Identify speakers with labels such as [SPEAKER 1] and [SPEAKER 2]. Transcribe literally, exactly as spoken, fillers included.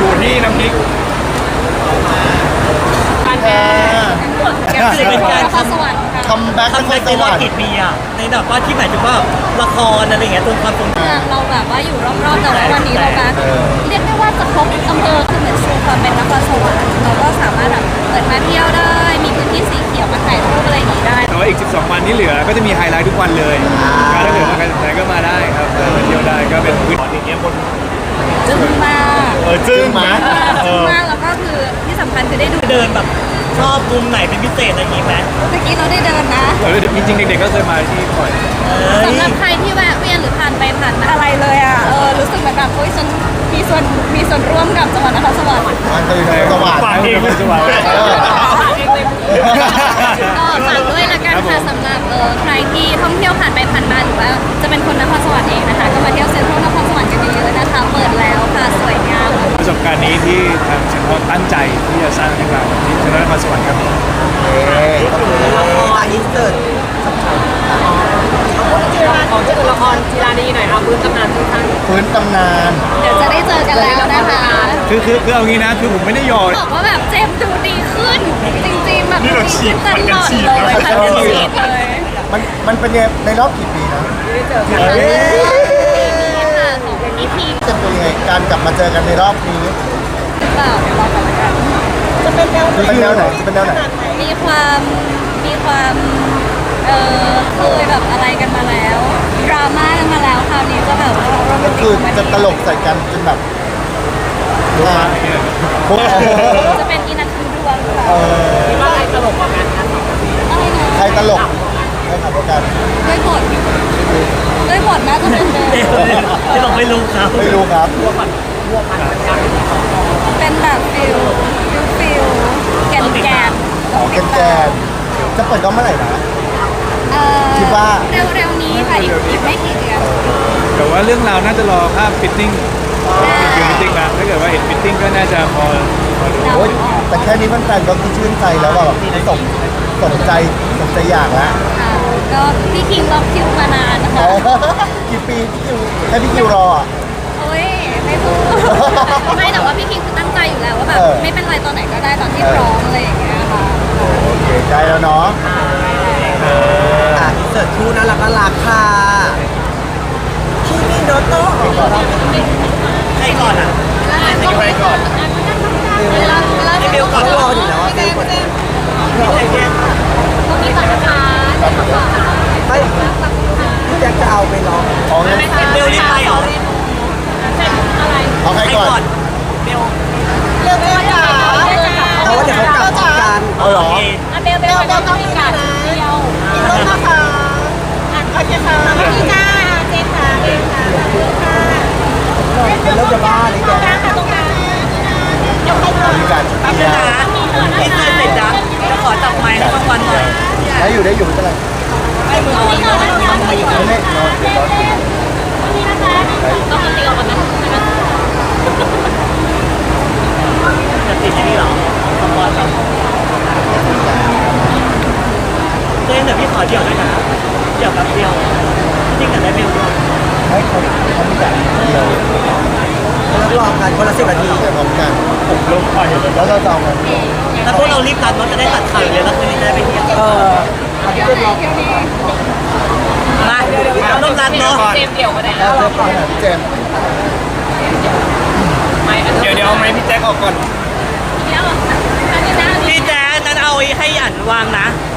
[SPEAKER 1] อยู่ที่น้ำพริก
[SPEAKER 2] การแก้แก้คือเป็นการทำ
[SPEAKER 3] สวรรค์ค่ะ
[SPEAKER 4] คัมแบ็ก
[SPEAKER 2] ทำ
[SPEAKER 4] นค
[SPEAKER 2] ใน
[SPEAKER 4] รส
[SPEAKER 2] ร
[SPEAKER 4] ว
[SPEAKER 2] อ
[SPEAKER 4] ร
[SPEAKER 2] บ
[SPEAKER 4] รค์
[SPEAKER 2] กี่ปีอะในแบบว่าที่หมายถึงว่าละครอะไรอย่างเงี้ยตัวความทรงจ
[SPEAKER 3] เมืองเราแบบว่าอยู่รอบๆแต่ว่าวันนี้เรามาเรียกได้ว่าจะครบอำเภอคือเหมือนชูความเป็นนครสวรรค์เราก็สามารถแบบเปิดมาเที่ยวได้มีพื้นที่สีเขียวมาถ่ายรูปอะไรอย่างนี้ได้
[SPEAKER 1] แต่ว่าอีกสิบสองวันที่เหลือก็จะมีไฮไลท์ทุกวันเลยก็ถ้าเกิดว่าใครสนใจก็มาได้ครับเดินมาเที่ยวได้ก็เป็นพื้นที่อย่างเงี้ยบน
[SPEAKER 3] จึ้งมาก
[SPEAKER 1] เออจึ้งมาเอ
[SPEAKER 3] จึ้ง
[SPEAKER 1] อ
[SPEAKER 3] มากแล้วก็คือที่สำคัญคือได้ดู
[SPEAKER 2] เดินแบบชอบมุมไหนเป็นพิเศษอะไรอย่างงี้ไหม
[SPEAKER 3] เมื่อกี้เราได้เดินนะ
[SPEAKER 1] เออจริงๆเด็กๆก็เคยมาที่บ่อย
[SPEAKER 2] เอ้ย
[SPEAKER 3] สำหรับใครที่แวะเวียนหรือผ่านไปผ่านมาอะไรเลยอ่ะเออรู้สึกเหมือนแบบโอ้ยฉันมีส่วนมีส่วนร่วมกับจังหวัดนครสวรรค์
[SPEAKER 4] มันจะอยู่นครสวรรค์
[SPEAKER 1] ฝากเองเลยสวรรค์
[SPEAKER 4] เออ
[SPEAKER 3] ก็ฝากด้วยละกันค่ะสำหรับเออใครที่ท่องเที่ยวผ่านไปผ่านมาหรือว่าจะเป็นคนนครสวรรค์เองนะคะก็มาเที่ยวเซ็นทรัลนครสวรรค์กันเยอะๆนะคะเปิดแล้วค่ะสวยงาม
[SPEAKER 1] ประสบการณ์นี้ที่ทางเซ็นทรัลตั้งใจที่จะสร้างให้เราที่เซ็นทรัลนครสวรรค์ครับ
[SPEAKER 5] ตาอินเสิร์ตของชื่อละครจีรานีหน่อยค่ะพื้นตำนานทุกท่าน
[SPEAKER 4] พื้นตำนาน
[SPEAKER 3] เดี๋ยวจะได้เจอกันแล้วนะคะ
[SPEAKER 1] คือคือคือเอางี้นะคือผมไม่ได้หยอด
[SPEAKER 3] บอกว่าแบบเจมส์ดูดีขึ้น จริงๆแบบดูดีขึ้นตลอดเลยค่ะเป็นฉีดเลย
[SPEAKER 4] มันมันเป็นยังไงในรอบกี่ปีนะ
[SPEAKER 3] ค่ะของอีพี
[SPEAKER 4] จะเป็นยังไงการกลับมาเจอกันในรอบนี้
[SPEAKER 3] หรือเปล่าเดี๋ยวรอกันละกัน
[SPEAKER 4] จะเป็นแนวเป็นแนวไหนจะเป็นแนวไหน
[SPEAKER 3] มีความมีความเออเคยแบบอะไรกันมาแล้วดราม่ากันมาแล้วคราวนี้จะแบบว่าโรแม
[SPEAKER 4] ก็
[SPEAKER 3] นติ
[SPEAKER 4] คื
[SPEAKER 3] ก
[SPEAKER 4] อ
[SPEAKER 3] คอมเม
[SPEAKER 4] จะ
[SPEAKER 3] ดี้
[SPEAKER 4] ตลกใส่กันจนแบบอ่าโอ้โห
[SPEAKER 3] จะเป็นอินัทคือดวงค่ะ
[SPEAKER 4] เออ
[SPEAKER 5] คิดว่าใครตลกกว่ากันคะ
[SPEAKER 3] อะไรนะ
[SPEAKER 4] ใครตลกใครขับรถกัน
[SPEAKER 3] ด้วยบทด้วยบทน่าจะเป็นเดิม
[SPEAKER 2] ไม่บอกไม่รู้ครับ
[SPEAKER 4] ไม่รู้ครับ
[SPEAKER 3] เป็นแบบฟิลฟิลฟิลแกนแกน
[SPEAKER 4] อ๋อแกนแกนจะเปิดกล้องเมื่อไหร่นะ
[SPEAKER 3] เอ่อ
[SPEAKER 4] คิดว่า
[SPEAKER 3] เร็วๆนี้ค่ะอีกอีกไม่กี่เดือน
[SPEAKER 1] แต่ว่าเรื่องราวน่าจะรอภาพฟิตติ้ง
[SPEAKER 3] ได้
[SPEAKER 1] คิวฟิตติ้งมาถ้าเกิดว่าเห็นฟิตติ้งก็น่าจะพอพอดู
[SPEAKER 3] เดา
[SPEAKER 4] โอ้ย
[SPEAKER 3] ออก
[SPEAKER 4] แต่แค่นี้แฟนๆก็คือชื่นใจแล้วว่าแบบสมสมใจสมใจอยากแล้ว
[SPEAKER 3] ค่ะก็พี่คิงล็อกคิวมานานนะคะ
[SPEAKER 4] กี่ปีพี่คิวให้พี่คิวรออ่ะ
[SPEAKER 3] โอ้ยไม่พูดไม่แต่ว่าพี่คิงคือตั้งใจอยู่แล้วว่าแบบ
[SPEAKER 4] เออ
[SPEAKER 3] ไม่เป็นไรตอนไหนก็ได้ตอนที่พร้อมอะไรอย่างเงี้ยค่ะ
[SPEAKER 4] โอเคใจแล้วเนาะ
[SPEAKER 5] อ่าอินเสิร์ตคู่น่ารักน่ารักค่ะคิมิโนโตะ
[SPEAKER 2] ใครก่อนอ่ะ
[SPEAKER 1] ไปก่อน
[SPEAKER 3] เวลาเวลา
[SPEAKER 2] ไอเบลก่อน
[SPEAKER 5] เขารออยู่แล้วอะเบลกด
[SPEAKER 2] ใครเนี่ย
[SPEAKER 3] ตรงนี้ก่อนนะคะ
[SPEAKER 5] ไม่พี่แจ็คจะเอาไปร้อง
[SPEAKER 4] อ๋องั้น
[SPEAKER 2] เบลรีบไปเหรอ
[SPEAKER 4] เอาใคร
[SPEAKER 2] ใคร
[SPEAKER 4] ก่อน
[SPEAKER 2] ก่อนเบล
[SPEAKER 5] เรื่องนี้จ๋าเพราะว่าเดี๋ยวเขากลับพร้อมกัน
[SPEAKER 4] เอาเหรอ
[SPEAKER 2] โอเค
[SPEAKER 3] อ่ะเบลเบลเบลต้องมีการเดียว
[SPEAKER 5] อีกรอบนะคะ
[SPEAKER 3] โอเคค่ะพี่จ้าเจนค่ะเจนค่ะค่ะ
[SPEAKER 5] เป็นเริ่มจะบ้าเลยแก
[SPEAKER 3] ตรงกลาง
[SPEAKER 4] มีการ
[SPEAKER 2] แป๊บนึงนะนี่เจอเสร็จนะจะขอจับไม้ให้รางวัลหน่อย
[SPEAKER 4] ได้อยู่ได้อยู่ไม่เป็นไร
[SPEAKER 2] ให้มืออ่อนเลยทำมาอยู่
[SPEAKER 4] ไม่ไม่นอนเดี๋ยวร้อน
[SPEAKER 3] นี่นะคะต้องมาตีออกกันนะ
[SPEAKER 2] จะติดที่นี่เหรอรางวัลเหรอเจ๊เดี๋ยวพี่ขอเดี่ยวด้วยนะเดี่ยวแป๊บเดียวจริงกันได้เบลด้วย
[SPEAKER 4] ให้เขาเขามีแบบเดียว
[SPEAKER 5] แล้วรอกันคนละสิบนาที
[SPEAKER 4] แต่พร้อมกัน
[SPEAKER 1] ผมลงไปเลย
[SPEAKER 4] แล้วเราจะเอากัน
[SPEAKER 2] แล้วพวกเรารีบรัดรถจะได้ตัดข่าวเลยแล้วคืนนี้จะได้ไปเที่ยว
[SPEAKER 5] เอออันนี้เป็นรอ
[SPEAKER 2] มาร่วมรัดเนาะ
[SPEAKER 3] เจมเดี่ยวก็ได้
[SPEAKER 4] แล้วเจมส์พี่เจมส์
[SPEAKER 1] เดี๋ยวเดี๋ยวเอาไม้พี่แจ็คออกก่อน
[SPEAKER 3] เดี๋ยวอันนี้นะ
[SPEAKER 2] พี่แจ๊ดนั้นเอาให้อันวางนะ
[SPEAKER 3] โ